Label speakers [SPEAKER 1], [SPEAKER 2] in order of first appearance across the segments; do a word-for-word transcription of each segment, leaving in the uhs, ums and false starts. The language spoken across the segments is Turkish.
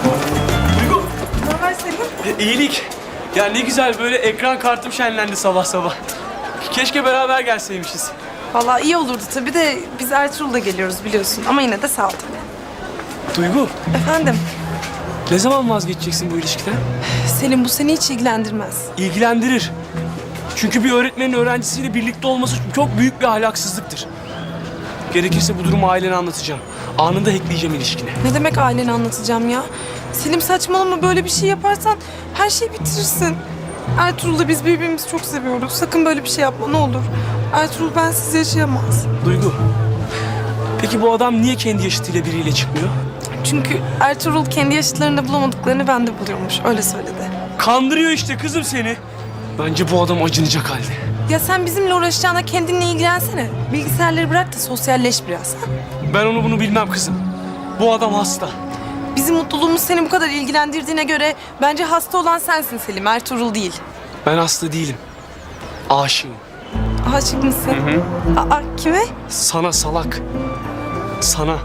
[SPEAKER 1] Duygu.
[SPEAKER 2] Ne haber Selim?
[SPEAKER 1] E, iyilik. Ya ne güzel böyle ekran kartım şenlendi sabah sabah. Keşke beraber gelseymişiz.
[SPEAKER 2] Vallahi iyi olurdu tabii de biz Ertuğrul'da geliyoruz biliyorsun. Ama yine de sağ ol tabii.
[SPEAKER 1] Duygu,
[SPEAKER 2] Efendim?
[SPEAKER 1] ne zaman vazgeçeceksin bu ilişkiden?
[SPEAKER 2] Selim bu seni hiç ilgilendirmez.
[SPEAKER 1] İlgilendirir. Çünkü bir öğretmenin öğrencisiyle birlikte olması çok büyük bir ahlaksızlıktır. Gerekirse bu durumu ailene anlatacağım. Anında hackleyeceğim ilişkini.
[SPEAKER 2] Ne demek ailene anlatacağım ya? Selim saçmalama, böyle bir şey yaparsan her şeyi bitirirsin. Ertuğrul'la biz birbirimizi çok seviyoruz. Sakın böyle bir şey yapma ne olur. Ertuğrul bensiz yaşayamaz.
[SPEAKER 1] Duygu, peki bu adam niye kendi yaşıtıyla biriyle çıkmıyor?
[SPEAKER 2] Çünkü Ertuğrul kendi yaşıtlarında bulamadıklarını bende buluyormuş. Öyle söyledi.
[SPEAKER 1] Kandırıyor işte kızım seni. Bence bu adam acınacak halde.
[SPEAKER 2] Ya sen bizimle uğraşacağına kendinle ilgilensene. Bilgisayarları bırak da sosyalleş biraz. Ha?
[SPEAKER 1] Ben onu bunu bilmem kızım. Bu adam hasta.
[SPEAKER 2] Bizim mutluluğumuz seni bu kadar ilgilendirdiğine göre bence hasta olan sensin Selim, Ertuğrul değil.
[SPEAKER 1] Ben hasta değilim. Aşığım.
[SPEAKER 2] Aşık mısın? Hı hı. Aa, kime?
[SPEAKER 1] Sana salak. Sana.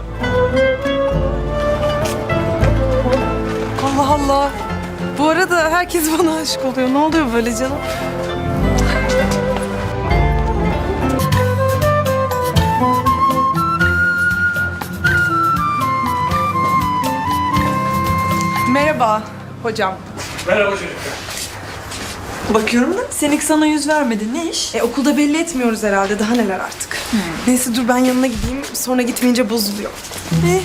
[SPEAKER 2] Allah Allah. Bu arada herkes bana aşık oluyor. Ne oluyor böyle canım? Merhaba hocam.
[SPEAKER 1] Merhaba çocuklar.
[SPEAKER 3] Bakıyorum da Senik sana yüz vermedi. Ne iş?
[SPEAKER 2] E, okulda belli etmiyoruz herhalde. Daha neler artık. Neyse dur ben yanına gideyim. Sonra gitmeyince bozuluyor.
[SPEAKER 3] Ne?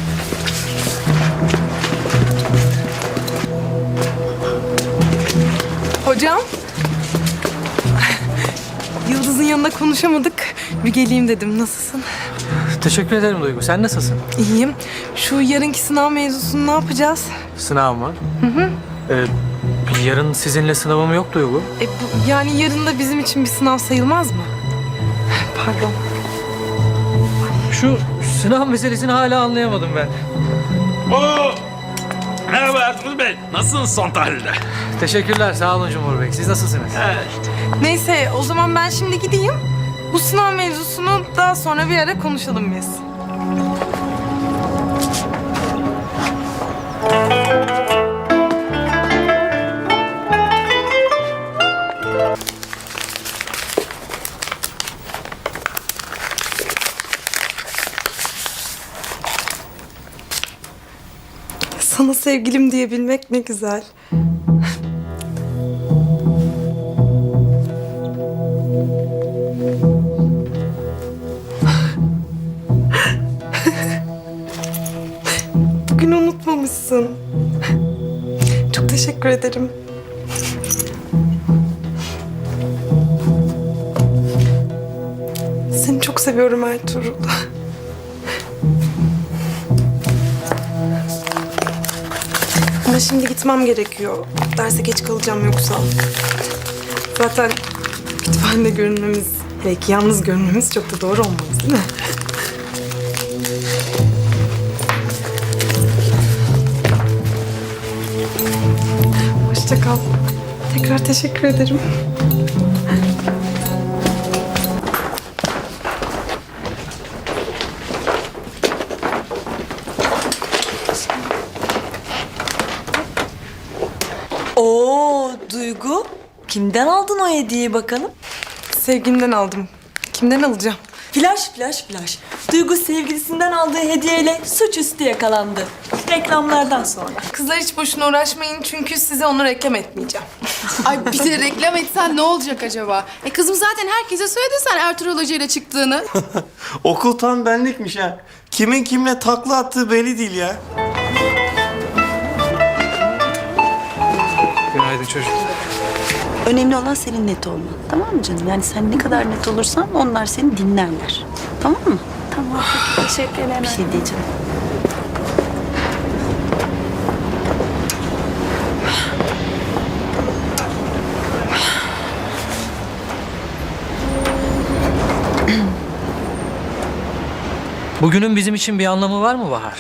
[SPEAKER 2] Hocam. Yıldız'ın yanında konuşamadık. Bir geleyim dedim. Nasılsın?
[SPEAKER 4] Teşekkür ederim Duygu. Sen nasılsın?
[SPEAKER 2] İyiyim. Şu yarınki sınav mevzusunu ne yapacağız?
[SPEAKER 4] Sınav mı? Hı hı. Ee, yarın sizinle sınavım yok Duygu.
[SPEAKER 2] E, bu, yani yarın da bizim için bir sınav sayılmaz mı? Pardon.
[SPEAKER 4] Şu sınav meselesini hala anlayamadım ben.
[SPEAKER 5] Oo! Merhaba Ertuğrul Bey. Nasılsınız son tahlilde?
[SPEAKER 4] Teşekkürler. Sağ olun Cumhur Bey. Siz nasılsınız?
[SPEAKER 2] Neyse o zaman ben şimdi gideyim. Bu sınav mevzusunu daha sonra bir ara konuşalım biz. Sana sevgilim diyebilmek ne güzel. Bugün unutmamışsın. Çok teşekkür ederim. Seni çok seviyorum Ertuğrul. Ama şimdi gitmem gerekiyor. Derse geç kalacağım yoksa. Zaten kütüphanede görünmemiz, belki yalnız görünmemiz çok da doğru olmaz değil mi? Hoşça kal. Tekrar teşekkür ederim.
[SPEAKER 3] Oo Duygu. Kimden aldın o hediyeyi bakalım?
[SPEAKER 2] Sevgimden aldım. Kimden alacağım?
[SPEAKER 3] Flash flash flash. Duygu sevgilisinden aldığı hediyeyle suçüstü yakalandı. Reklamlardan sonra.
[SPEAKER 2] Kızlar hiç boşuna uğraşmayın çünkü size onu reklam etmeyeceğim.
[SPEAKER 6] Ay bir de reklam etsen ne olacak acaba? E kızım zaten herkese söyledin sen Ertuğrul Hoca ile çıktığını.
[SPEAKER 7] Okul tam benlikmiş ha. Kimin kimle takla attığı belli değil ya.
[SPEAKER 4] Günaydın çocuk.
[SPEAKER 8] Önemli olan senin net olman. Tamam mı canım? Yani sen ne kadar net olursan onlar seni dinlerler. Tamam mı? Tamam.
[SPEAKER 6] Teşekkür ederim.
[SPEAKER 8] Bir şey diyeceğim.
[SPEAKER 4] Bugünün bizim için bir anlamı var mı Bahar?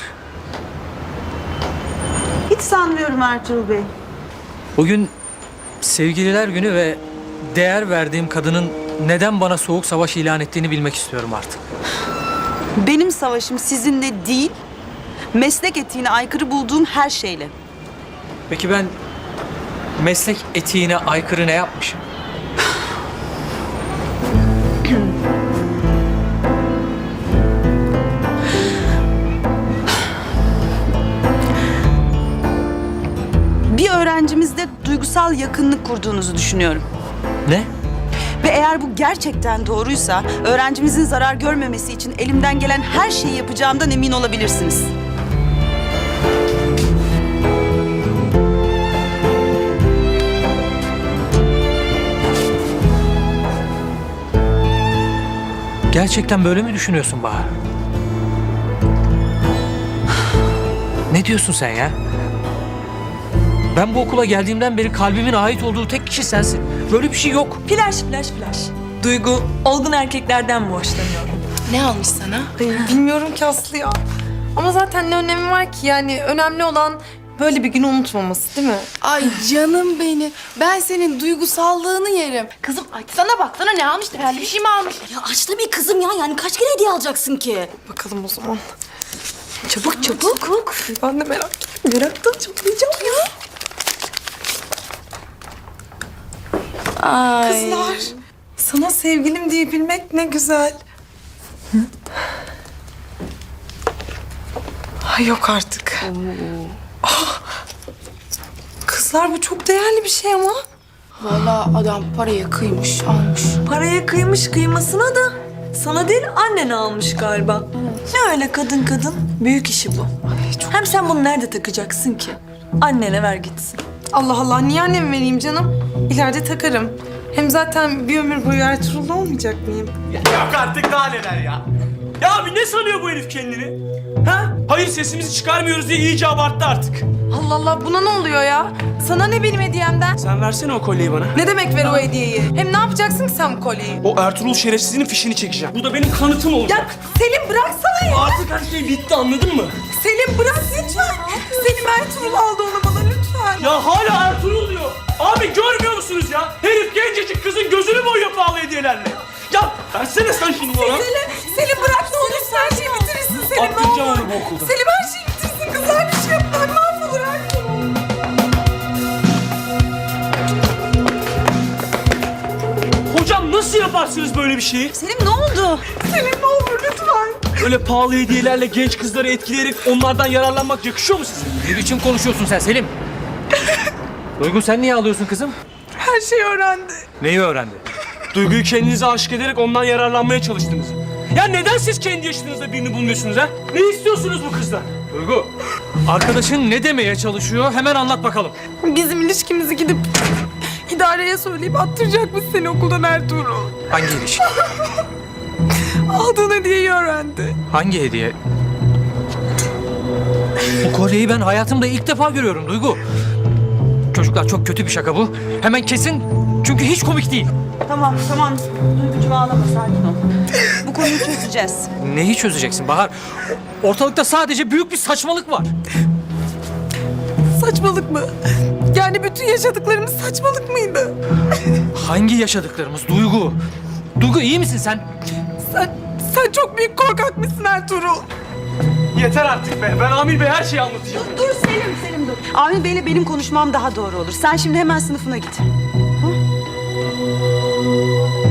[SPEAKER 8] Hiç sanmıyorum Ertuğrul Bey.
[SPEAKER 4] Bugün sevgililer günü ve değer verdiğim kadının neden bana soğuk savaş ilan ettiğini bilmek istiyorum artık.
[SPEAKER 8] Benim savaşım sizinle değil, Meslek etiğine aykırı bulduğum her şeyle.
[SPEAKER 4] Peki ben meslek etiğine aykırı ne yapmışım?
[SPEAKER 8] Bir öğrencimizle duygusal yakınlık kurduğunuzu düşünüyorum.
[SPEAKER 4] Ne?
[SPEAKER 8] Ve eğer bu gerçekten doğruysa öğrencimizin zarar görmemesi için elimden gelen her şeyi yapacağımdan emin olabilirsiniz.
[SPEAKER 4] Gerçekten böyle mi düşünüyorsun Bahar? Ne diyorsun sen ya? Ben bu okula geldiğimden beri kalbimin ait olduğu tek kişi sensin. Böyle bir şey yok.
[SPEAKER 3] Flash flash flash. Duygu olgun erkeklerden mi hoşlanıyor?
[SPEAKER 6] Ne almış sana?
[SPEAKER 2] Ay, bilmiyorum ki Aslı ya. Ama zaten ne önemi var ki yani önemli olan böyle bir günü unutmaması değil mi?
[SPEAKER 6] Ay canım benim. Ben senin duygusallığını yerim. Kızım açsana baksana ne almış? Herhalde bir şey mi almış?
[SPEAKER 9] Ya aç tabii kızım ya. Yani kaç kere hediye alacaksın ki?
[SPEAKER 2] Bakalım o zaman. Çabuk çabuk. Çabuk. Ben de merak meraktan çatlayacağım ya.
[SPEAKER 6] Ay.
[SPEAKER 2] Kızlar, sana sevgilim diyebilmek ne güzel. Ay yok artık. Ah! Kızlar bu çok değerli bir şey ama.
[SPEAKER 6] Vallahi adam paraya kıymış, almış.
[SPEAKER 3] Paraya kıymış kıymasına da sana değil annen almış galiba. Ne öyle kadın kadın? Büyük işi bu. Hem sen bunu nerede takacaksın ki? Annene ver gitsin.
[SPEAKER 2] Allah Allah niye anneme vereyim canım? İleride takarım. Hem zaten bir ömür boyu Ertuğrul'da olmayacak mıyım?
[SPEAKER 1] Yok artık daha neler ya. Ya abi ne sanıyor bu herif kendini? Ha? Hayır sesimizi çıkarmıyoruz diye iyice abarttı artık.
[SPEAKER 2] Allah Allah buna ne oluyor ya? Sana ne benim hediyemden?
[SPEAKER 1] Sen versene o kolyeyi bana.
[SPEAKER 2] Ne demek ver o hediyeyi? Hem ne yapacaksın ki sen bu kolyeyi?
[SPEAKER 1] O Ertuğrul şerefsizinin fişini çekeceğim. Bu da benim kanıtım olacak.
[SPEAKER 2] Ya Selim bıraksana ya.
[SPEAKER 1] Artık her şey bitti anladın mı?
[SPEAKER 2] Selim bırak lütfen. Selim Ertuğrul aldı onu bana lütfen.
[SPEAKER 1] Ya hala Ertuğrul diyor. Abi görmüyor musunuz ya? Herif gencecik kızın gözünü boyuyor pahalı hediyelerle. Ya versene sen şunu bana.
[SPEAKER 2] Selim, Selim bırak ne olursa her şeyi bitirirsin Selim ne
[SPEAKER 1] Attıracağım
[SPEAKER 2] olur.
[SPEAKER 1] onu bu okulda.
[SPEAKER 2] Selim her şeyi bitirsin kızlar bir şey yapma mahvolur Ertuğrul.
[SPEAKER 1] Hocam nasıl yaparsınız böyle bir şeyi?
[SPEAKER 8] Selim ne oldu?
[SPEAKER 2] Selim ne olur lütfen.
[SPEAKER 1] Öyle pahalı hediyelerle genç kızları etkileyerek onlardan yararlanmak yakışıyor mu size?
[SPEAKER 4] Ne biçim konuşuyorsun sen Selim? Duygu sen niye ağlıyorsun kızım?
[SPEAKER 2] Her şeyi öğrendi.
[SPEAKER 4] Neyi öğrendi?
[SPEAKER 1] Duyguyu kendinize aşık ederek ondan yararlanmaya çalıştınız. Ya neden siz kendi yaşınızda birini bulmuyorsunuz ha? Ne istiyorsunuz bu kızdan?
[SPEAKER 4] Duygu, arkadaşın ne demeye çalışıyor? Hemen anlat bakalım.
[SPEAKER 2] Bizim ilişkimizi gidip idareye söyleyip attıracakmış seni okuldan Ertuğrul.
[SPEAKER 4] Hangi ilişki?
[SPEAKER 2] Aldığın hediyeyi öğrendi.
[SPEAKER 4] Hangi hediye? Bu kolyeyi ben hayatımda ilk defa görüyorum Duygu. Çocuklar çok kötü bir şaka bu. Hemen kesin çünkü hiç komik değil.
[SPEAKER 8] Tamam tamam. Duygucuğum ağlama sakin ol. Bu konuyu çözeceğiz.
[SPEAKER 4] Neyi çözeceksin Bahar? O- Ortalıkta sadece büyük bir saçmalık var.
[SPEAKER 2] Saçmalık mı? Yani bütün yaşadıklarımız saçmalık mıydı?
[SPEAKER 4] Hangi yaşadıklarımız Duygu? Duygu iyi misin sen?
[SPEAKER 2] Sen, sen çok büyük korkak mısın Ertuğrul?
[SPEAKER 1] Yeter artık be. Ben Amir Bey her şeyi anlatacağım.
[SPEAKER 8] Dur Selim Selim dur. Amir Bey'le benim konuşmam daha doğru olur. Sen şimdi hemen sınıfına git. Ha?